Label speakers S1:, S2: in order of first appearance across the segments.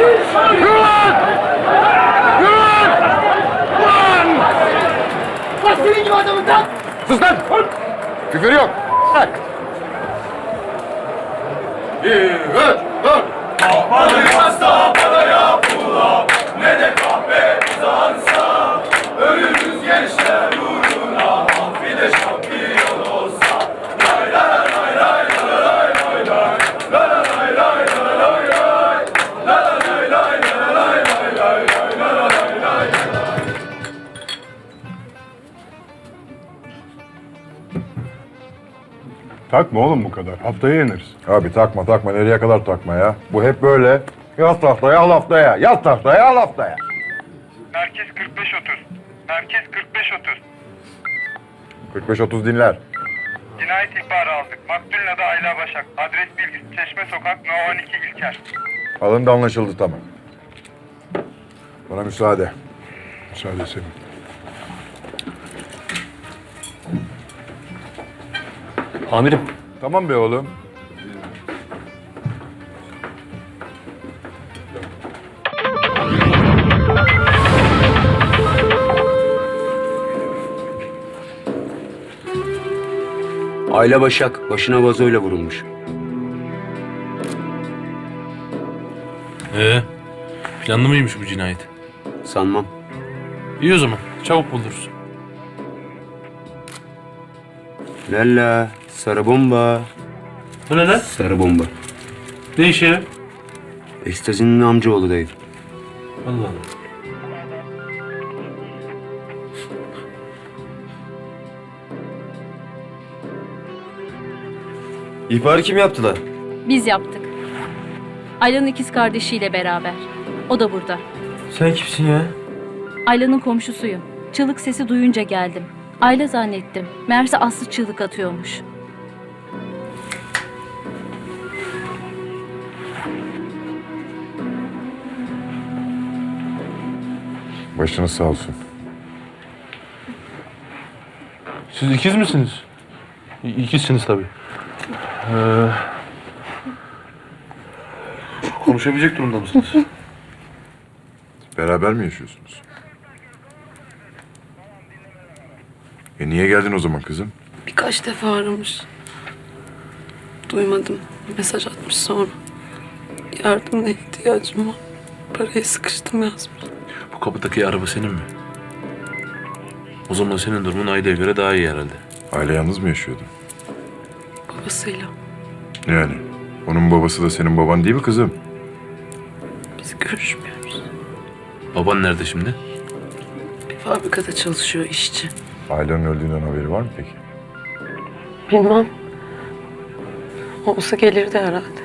S1: Bak senin gibi adamın lan!
S2: Sus lan! Küfür yok. Bak. 1, 2, 3, 4.
S3: Hasta paraya pula ne de kahve kazansa ölümüz gençler uğruna bir de şampiyon olsa lay lay lay lay lay lay lay lay lay lay lay lay lay lay lay lay.
S4: Takma oğlum bu kadar. Haftaya yeniriz.
S2: Abi takma. Nereye kadar takma ya? Bu hep böyle. Yaz tahtaya, al haftaya. Yaz tahtaya, al haftaya.
S5: Merkez 45-30. Merkez 45-30.
S2: 45-30 dinler.
S5: Cinayet ihbarı aldık. Maktulün adı Ayla Başak. Adres bilgisi Çeşme Sokak No 12 İlker.
S2: Alındı, anlaşıldı, tamam. Bana müsaade.
S4: Müsaade senin.
S6: Amirim.
S2: Tamam be oğlum.
S6: Ayla Başak başına vazoyla vurulmuş.
S7: Planlı mıymış bu cinayet?
S6: Sanmam.
S7: İyi o zaman. Çabuk buluruz.
S6: Lalla sarı bomba.
S7: Bu ne lan?
S6: Sarı bomba.
S7: Ne işe yarar?
S6: Ekstazinin amcaoğlu dayı.
S7: Allah Allah.
S8: İhbarı kim yaptı lan?
S9: Biz yaptık. Ayla'nın ikiz kardeşiyle beraber. O da burada.
S8: Sen kimsin ya?
S9: Ayla'nın komşusuyum. Çığlık sesi duyunca geldim. Ayla zannettim. Meğerse Aslı çığlık atıyormuş.
S2: Başınız sağ olsun.
S7: Siz ikiz misiniz? İkizsiniz tabii. Konuşabilecek durumda mısınız?
S2: Beraber mi yaşıyorsunuz? Niye geldin o zaman kızım?
S10: Birkaç defa aramış. Duymadım. Mesaj atmış sonra. Yardımına ihtiyacım var. Paraya sıkıştım yazmış.
S7: Bu kapıdaki araba senin mi? O zaman senin durumun Ayda'ya göre daha iyi herhalde.
S2: Aile yalnız mı yaşıyordu?
S10: Babasıyla.
S2: Yani onun babası da senin baban değil mi kızım?
S10: Biz görüşmüyoruz.
S7: Baban nerede şimdi?
S10: Bir fabrikada çalışıyor işçi.
S2: Ailenin öldüğünden haberi var mı peki?
S10: Bilmem. Olsa gelirdi herhalde.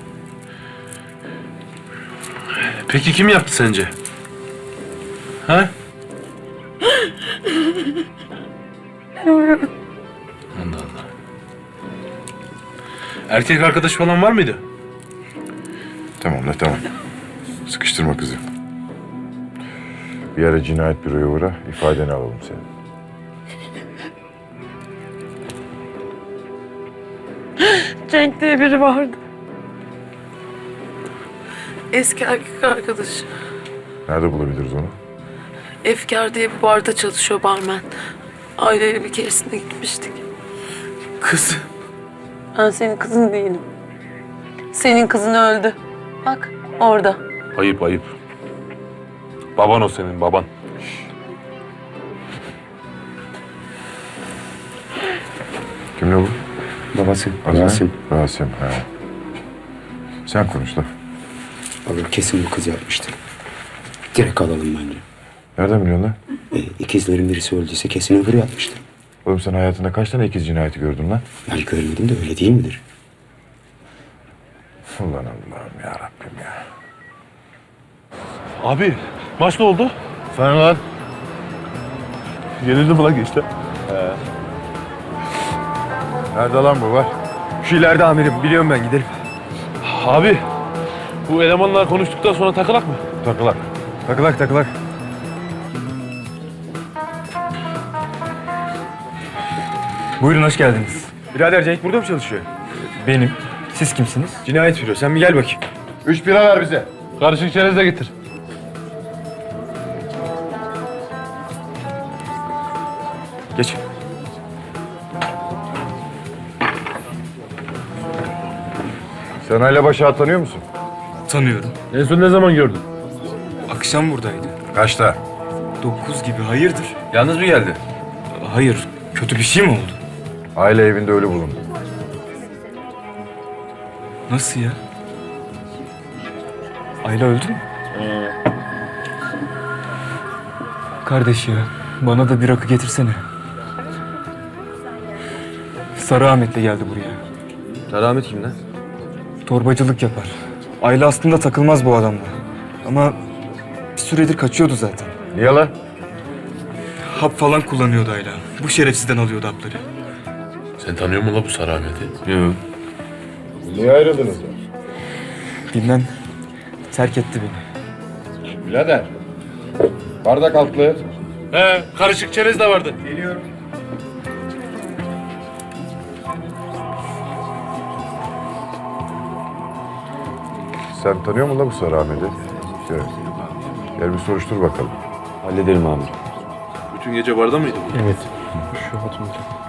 S7: Peki kim yaptı sence? Ha? Allah Allah. Erkek arkadaş falan var mıydı?
S2: Tamam. Sıkıştırma kızı. Bir ara cinayet büroya uğra, ifadeni alalım senin.
S10: Cenk diye biri vardı. Eski erkek arkadaşı.
S2: Nerede bulabiliriz onu?
S10: Efkar diye bir barda çalışıyor barmen. Aileyle bir keresinde gitmiştik.
S7: Kız.
S10: Ben senin kızın değilim. Senin kızın öldü. Bak orada.
S7: Ayıp. Baban o senin, baban.
S2: Kimle bu?
S6: Babası.
S2: Adı ne?
S6: Rasim.
S2: Rasim, ha. Sen konuş da.
S6: Abi kesin bu kız yapmıştır. Direkt alalım bence.
S2: Nereden biliyorsun lan?
S6: İkizlerin birisi öldüyse kesin öbürü yapmıştır.
S2: Oğlum sen hayatında kaç tane ikiz cinayeti gördün lan?
S6: Ben görmedim de öyle değil midir?
S2: Ulan Allah'ım ya Rabbim ya.
S7: Abi, maç ne oldu?
S4: Sen lan.
S7: Yenildi mi lan işte?
S2: Nerede lan bu var?
S8: Şu ileride amirim. Biliyorum ben, gidelim.
S7: Abi, bu elemanlar konuştuktan sonra takılak mı?
S2: Takılak.
S8: Buyurun, hoş geldiniz. Birader Cenk burada mı çalışıyor? Benim. Siz kimsiniz? Cinayet büro. Sen bir gel bakayım.
S2: 3 bira ver bize.
S7: Karışık çerez de getir.
S8: Geç.
S2: Sen Ayla Başak'ı tanıyor musun?
S8: Tanıyorum.
S7: En son ne zaman gördün?
S8: Akşam buradaydı.
S2: Kaçta?
S8: 9 gibi, hayırdır?
S7: Yalnız mı geldi?
S8: Hayır, kötü bir şey mi oldu?
S2: Aile evinde ölü bulundu.
S8: Nasıl ya? Ayla öldü mü? Kardeş ya, bana da bir rakı getirsene. Sarı Ahmet'le geldi buraya.
S7: Selamet kim lan?
S8: Torbacılık yapar. Ayla aslında takılmaz bu adamla. Ama bir süredir kaçıyordu zaten.
S2: Niye lan?
S8: Hap falan kullanıyordu Ayla. Bu şerefsizden alıyordu hapları.
S7: Sen tanıyor musun la bu Sarı Ahmet'i? Yok.
S2: Niye ayrıldınız ya?
S8: Bilmem, terk etti beni.
S2: Birader. Bardak altlı.
S7: He, karışık çerez de vardı.
S2: Sen tanıyor musun la bu Sarı Ahmet'i? Gel. Gel bir soruştur bakalım.
S7: Bütün gece barda mıydı bu?
S4: Evet. Şu hatun.